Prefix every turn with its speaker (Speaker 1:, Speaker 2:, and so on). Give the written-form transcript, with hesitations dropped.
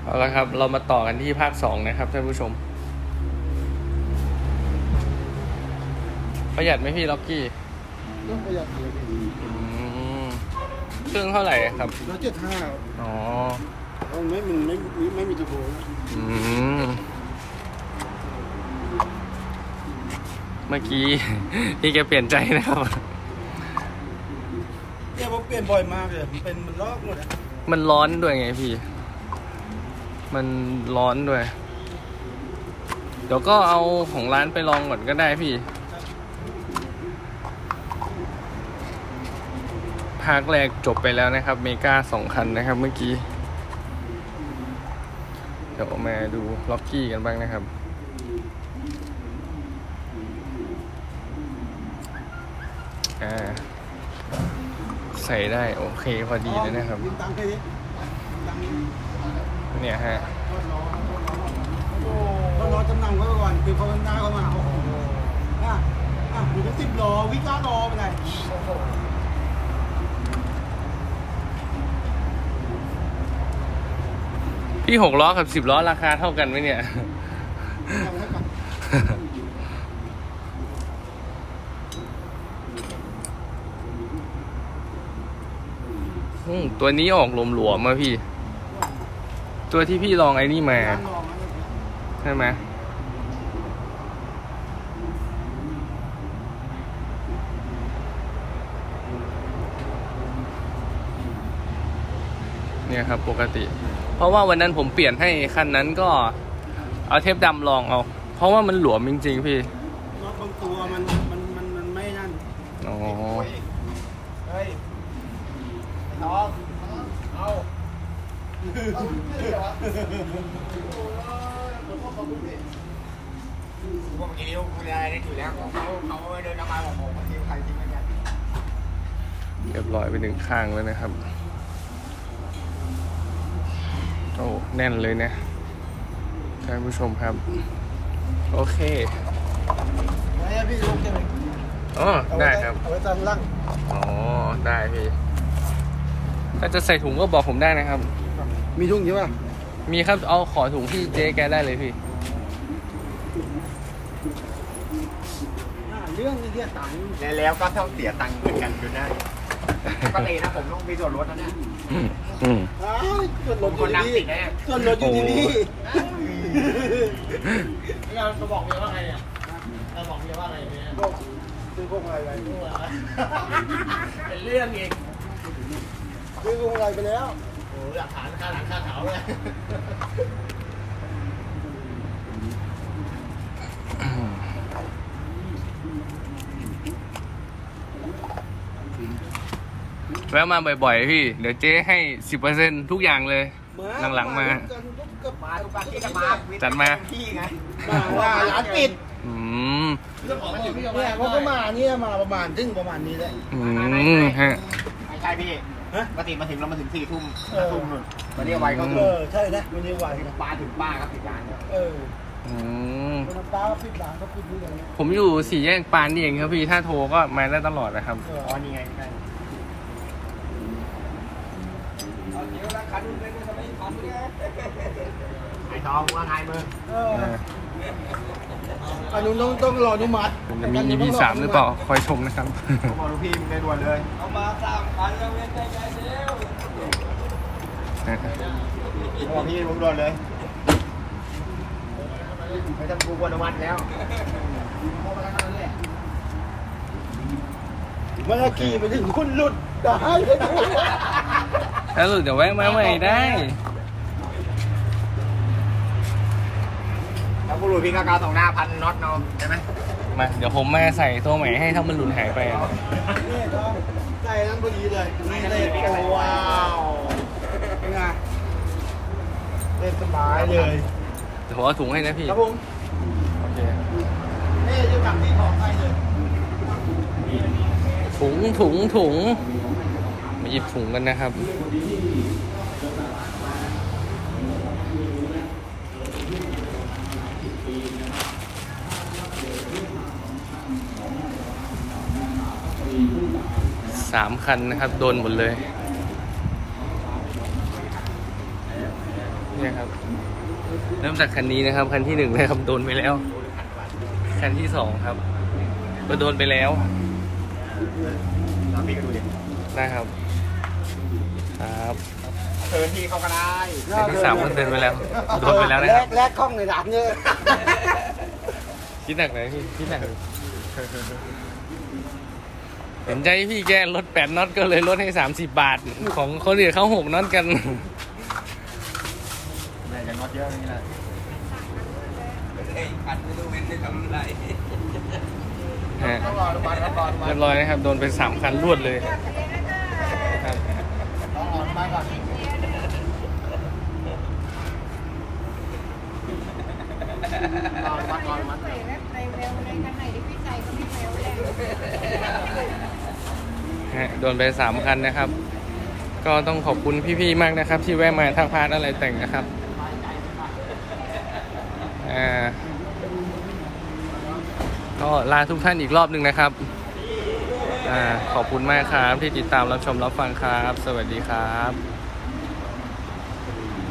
Speaker 1: เอาละครับเรามาต่อกันที่ภาค2นะครับท่านผู้ชมประหยัดไหมพี่ล็อกกี้
Speaker 2: ก็ประหยัดเลย
Speaker 1: เครื่องเท่าไหร่ครับ
Speaker 2: 175
Speaker 1: อ๋อ
Speaker 2: ไม่มีตัวโบนะ
Speaker 1: เมื่อกี้พี่แกเปลี่ยนใจนะครับ
Speaker 2: เนี่ยผมเปลี่ยนบ่อยมากเลยมันลอกหมดอ่ะ
Speaker 1: มันร้อนด้วยไงพี่มันร้อนด้วยเดี๋ยวก็เอาของร้านไปลองก่อนก็ได้พี่ภาคแรกจบไปแล้วนะครับเมกา2 คันนะครับเมื่อกี้เดี๋ยวมาดูล็อกกี้กันบ้างนะครับใส่ได้โอเคพอดีเลยนะครับเนี่ยฮะ
Speaker 2: ก็รอจำนำไว้ก่อนคือพอมันได้เข้ามาโอ้โหอยู่ที่10 ล้อวิก้ารอไปไหน
Speaker 1: พี่6 ล้อกับ10 ล้อราคาเท่ากันไหมเนี่ยตัวนี้ออกหลวมๆมาพี่ตัวที่พี่ลองไอ้นี่มาใช่ไหมเนี่ยครับปกติเพราะว่าวันนั้นผมเปลี่ยนให้คันนั้นก็เอาเทปดำลองเอาเพราะว่ามันหลวมจริงๆพี่
Speaker 2: รถบางตัวมันไม่นั่น
Speaker 1: อ๋อ
Speaker 2: เฮ้ยน้องเอาเมื่อกี้นิ้วกูได้ได้อยู่แล้วเขาเดินมาบอกผมว่านิ้วใครทิ้งกัน
Speaker 1: เรียบร้อยไป1 ข้างแล้วนะครับโอ้แน่นเลยนะท่านผู้ชมครับโอเค
Speaker 2: ได้พี่ลุงจะ
Speaker 1: อ๋อได้ครับ
Speaker 2: เอาไว้ตามล่าง
Speaker 1: อ๋อได้พี่ถ้าจะใส่ถุงก็บอกผมได้นะครับ
Speaker 2: มีถุงใช่ป่ะ
Speaker 1: มีครับเอาขอถุงที่เจ๊แกได้เลยพี่
Speaker 2: เรื่องนี้ที่ตังค์
Speaker 3: แล้วก็ต้องเสียตังค์เหมือนกันอยู่ได้ปกตินะผมต้องมีส่วนลดนะเนี่ย
Speaker 2: ส่วนลดอยู่ที่นี่ส่วนลดอยู่ที่นี่
Speaker 3: เราบอกเมียว่าไงเนี่ยเราบอกเมียว่าไงเนี่ย
Speaker 2: ซื้อพวกอะไรไป
Speaker 3: เป็นเรื่องอีก
Speaker 2: ซื้อพวกอะไรไปแล้ว
Speaker 3: โอ้หลักฐานค่าหลังค่าเขาเลย
Speaker 1: แวะมาบ่อยๆพี่เดี๋ยวเจ๊ให้ 10% ทุกอย่างเลยหลังๆมา
Speaker 3: ทุกการที่จะมา
Speaker 1: จัดมา
Speaker 3: พี่ไง
Speaker 2: ว่าร้านปิด
Speaker 3: เรื่องของมันอยู่ที่
Speaker 2: เนี่ยเขาก็มาเนี่ยมาประมาณนี้แหละ
Speaker 1: ฮะ
Speaker 3: ไม่ใช่พี่ปกติมาถึงเรามาถึง4 ทุ่มนู่นวันนี้ไวก็
Speaker 2: ใช่นะวันนี้ไว
Speaker 3: ป้าถึงป้าครับปิดร้าน
Speaker 2: ป้าปิดร้านเขาปิดนี่เลย
Speaker 1: ผมอยู่4 แยกปานนี่เองครับพี่ถ้าโทรก็มาได้ตลอดนะครับ
Speaker 3: อ๋อนี่ไงใช่ไอ้ทองว่าไงมึง
Speaker 2: อันนู้นต้องรออนุมัติ
Speaker 1: จะมี EP 3หรือเปล่าคอยชมนะครับ
Speaker 3: บอกลูกพี่มึงได้ด่วนเลย
Speaker 2: เอามา3 คันแล้วเว้นใจเร็ว
Speaker 3: บอกพี่มึงด่วนเลยไม่ต้องกูอนุมัติแล้ว
Speaker 2: เมื่อกี้ไปถึงคุณหลุดได้
Speaker 1: ถ้าหลุดเดี๋ยวแวะมาใหม่ได้
Speaker 3: แล้วกูหลุดพี่ก็กาว2 หน้า1,000 น็อตเนาะใช่ไหม
Speaker 1: มาเดี๋ยวผมมาใส่ตัวใหม่ให้ถ้ามันหลุดหายไป
Speaker 2: นี่ต้องใส่นั้นพอดีเลยนี่เลยว้าวเป็นไงเล่นสบายเลย
Speaker 1: เดี๋ยวผมเอาถุงให้นะพี่
Speaker 2: ครับผม
Speaker 1: โอเค
Speaker 2: นี่จะกลับที่ของใครเลย
Speaker 1: ถุงมาหยิบถุงกันนะครับ3 คันนะครับโดนหมดเลยเนี่ยครับ เริ่มจากคันนี้นะครับ คันที่ 1นะครับโดนไปแล้ว คันที่ 2ครับก็โดนไปแล้ว
Speaker 3: แล้วพี่ก็ดูดิ
Speaker 1: นะครับครับ
Speaker 3: เชิญพี่เขาก็ได้
Speaker 1: คันที่ 3ก็เดินไปแล้วโดนไปแล้วนะครับ
Speaker 2: แลกกล้องในร้านเยอะ
Speaker 1: คิดหนักเลยพี่คิดหนักเลยเห็นใจพี่แกลด8น็อตก็เลยลดให้30 บาท ของคนอื่นเขา6น็อตกัน
Speaker 3: แม่จะน็อตเยอะนี่แหละ
Speaker 1: ฮะ
Speaker 2: ต้องรอดูบ้านต้องรอดูบ้าน
Speaker 1: เรียบร้อยนะครับ โดนไป3 คันรวดเลยครับ
Speaker 2: ต้องรอดูบ้านก่อนรอดูบ้านก่อนมัน
Speaker 1: ฮะโดนไป3 คันนะครับ ก็ต้องขอบคุณพี่ๆมากนะครับ ที่แวะมาทักพาร์ทอะไรแต่งนะครับก็ลาทุกท่านอีกรอบหนึ่งนะครับขอบคุณมากครับที่ติดตามรับชมรับฟังครับ สวัสดีครับ